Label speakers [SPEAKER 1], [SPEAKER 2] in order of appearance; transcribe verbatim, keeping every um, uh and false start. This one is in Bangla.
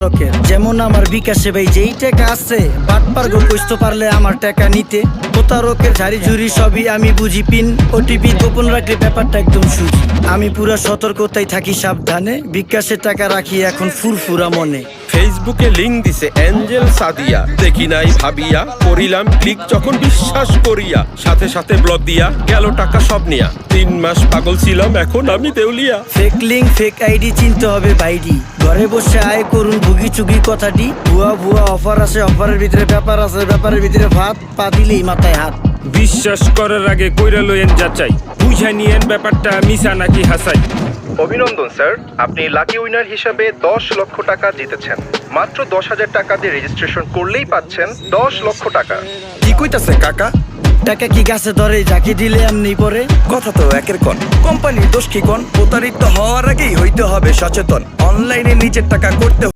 [SPEAKER 1] যেমন আমার বিকাশে ভাই যেই টাকা আছে বাটপার গো বুঝতে পারলে আমার টাকা নিতে প্রতারকের ঝাড়ি ঝুড়ি সবই আমি বুঝি পিন ওটিপি গোপন রাখলে ব্যাপারটা একদম সুজি আমি পুরা সতর্কতায় থাকি সাবধানে বিকাশে টাকা রাখি এখন ফুরফুরা মনে
[SPEAKER 2] ফেসবুকে লিংক দিছে এঞ্জেল সাদিয়া দেখি নাই ভাবিয়া করিলাম ক্লিক যখন বিশ্বাস করিয়া সাথে সাথে ব্লক দিয়া গেল টাকা সব নিয়া তিন মাস পাগল ছিলাম এখন আমি দেউলিয়া
[SPEAKER 1] ফেক লিঙ্ক ফেক আইডি চিনতে হবে বাইডি ঘরে বসে আয় করুন ভুগি চুগি কথাটি ভুয়া ভুয়া অফার আছে অফারের ভিতরে ব্যাপার আছে ব্যাপারের ভিতরে ভাত পা দিলেই মাথায় হাত
[SPEAKER 3] বিশ্বাস করার আগে কইরা লইয়েন যাচাই বুঝাই নিয়েন ব্যাপারটা মিছা নাকি হাসাই।
[SPEAKER 4] অভিনন্দন স্যার, আপনি লাকি উইনার হিসাবে দশ লক্ষ টাকা জিতেছেন। মাত্র দশ হাজার টাকা দিয়ে রেজিস্ট্রেশন করলেই পাচ্ছেন দশ লক্ষ টাকা।
[SPEAKER 5] কি কইতাছে কাকা?
[SPEAKER 1] টাকা কি গাছে ধরে যাকে দিলে এমনি পরে
[SPEAKER 5] কথা তো একের কোন কোম্পানির দোষ কি কোন? প্রতারিত হওয়ার আগেই হইতে হবে সচেতন। অনলাইনে নিজের টাকা করতে